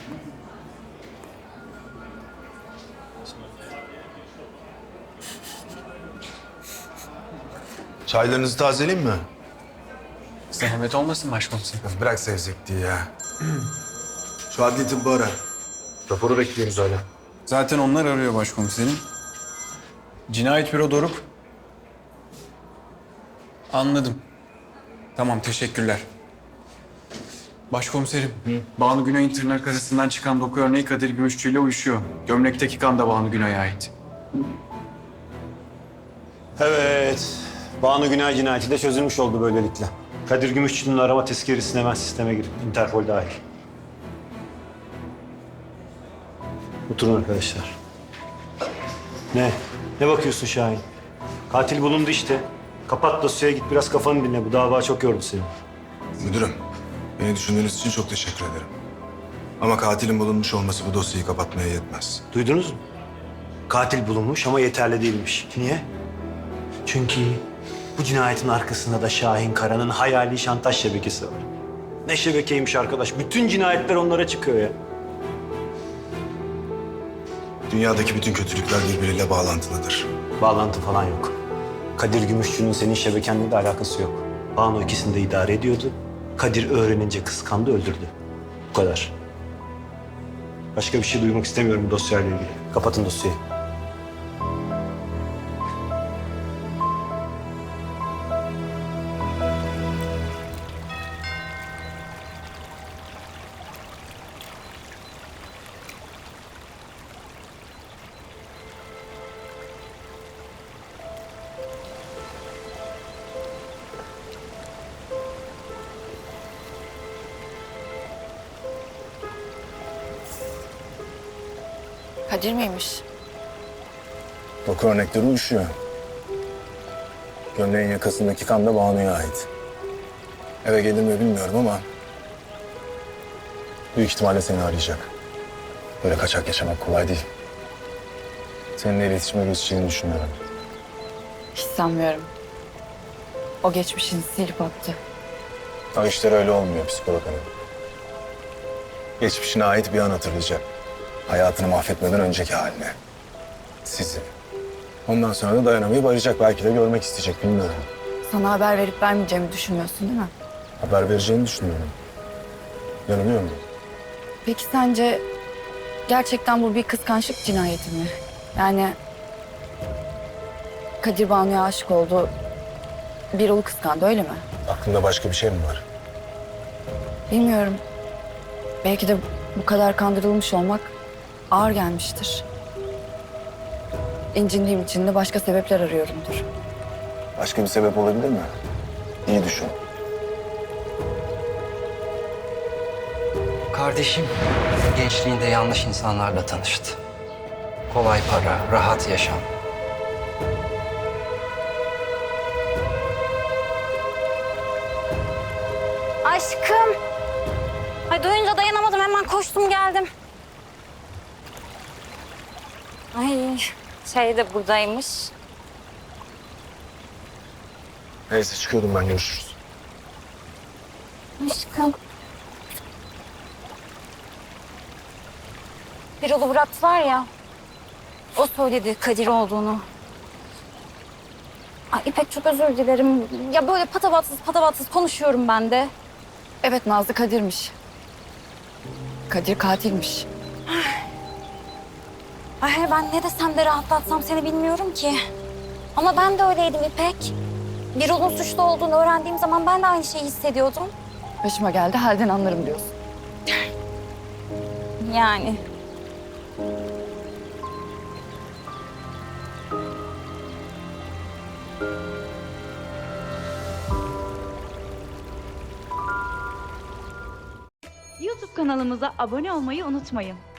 Çaylarınızı tazeleyeyim mi? Zahmet olmasın başkomiserim. Bırak sevzekliği ya. Şu adli tıbbı ara. Raporu bekliyoruz hala. Zaten onlar arıyor başkomiserim. Cinayet büro Doruk. Anladım. Tamam, teşekkürler. Başkomiserim, Banu Günay'ın tırnak arasından çıkan doku örneği Kadir Gümüşçü ile uyuşuyor. Gömlekteki kan da Banu Günay'a ait. Evet. Banu Günay cinayeti de çözülmüş oldu böylelikle. Kadir Gümüşçü'nün arama tezkeresine hemen sisteme girip Interpol dahil. Oturun arkadaşlar. Ne bakıyorsun Şahin? Katil bulundu işte. Kapat dosyaya, git biraz kafanı dinle. Bu dava çok yordu seni. Müdürüm, beni düşündüğünüz için çok teşekkür ederim. Ama katilin bulunmuş olması bu dosyayı kapatmaya yetmez. Duydunuz mu? Katil bulunmuş ama yeterli değilmiş. Niye? Çünkü bu cinayetin arkasında da Şahin Kara'nın hayali şantaj şebekesi var. Ne şebekeymiş arkadaş. Bütün cinayetler onlara çıkıyor ya. Dünyadaki bütün kötülükler birbiriyle bağlantılıdır. Bağlantı falan yok. Kadir Gümüşçü'nün senin şebekenle de alakası yok. Banu ikisini de idare ediyordu. Kadir öğrenince kıskandı, öldürdü. Bu kadar. Başka bir şey duymak istemiyorum bu dosyayla ilgili. Kapatın dosyayı. Kadir miymiş? Doku örnekleri uyuşuyor. Gömleğin yakasındaki kan da Banu'ya ait. Eve gelir mi bilmiyorum ama büyük ihtimalle seni arayacak. Böyle kaçak yaşamak kolay değil. Seninle iletişime geçeceğini düşünüyorum. Hiç sanmıyorum. O geçmişini silip attı. O işler öyle olmuyor psikolog hanım. Geçmişine ait bir an hatırlayacak. Hayatını mahvetmeden önceki haline. Sizi. Ondan sonra da dayanamayıp arayacak. Belki de görmek isteyecek, bilmiyorum. Sana haber verip vermeyeceğimi düşünmüyorsun değil mi? Haber vereceğini düşünüyorum. Yanılıyor muyum? Peki sence gerçekten bu bir kıskançlık cinayeti mi? Yani Kadir Banu'ya aşık oldu, Birol'u kıskandı öyle mi? Aklında başka bir şey mi var? Bilmiyorum. Belki de bu kadar kandırılmış olmak ağır gelmiştir. İncindiğim için de başka sebepler arıyorumdur. Başka bir sebep olabilir mi? İyi düşün. Kardeşim gençliğinde yanlış insanlarla tanıştı. Kolay para, rahat yaşam. Aşkım. Ay duyunca dayanamadım, hemen koştum geldim. Ay şey de buradaymış. Neyse çıkıyordum ben, görüşürüz. Aşkım. Birol'u bıraktılar ya. O söyledi Kadir olduğunu. Ay İpek çok özür dilerim. Ya böyle patavatsız konuşuyorum ben de. Evet, Nazlı Kadir'miş. Kadir katilmiş. Ay ben ne desem de rahatlatsam seni bilmiyorum ki. Ama ben de öyleydim İpek. Birol'un suçlu olduğunu öğrendiğim zaman ben de aynı şeyi hissediyordum. Başıma geldi, halden anlarım diyorsun. Yani. YouTube kanalımıza abone olmayı unutmayın.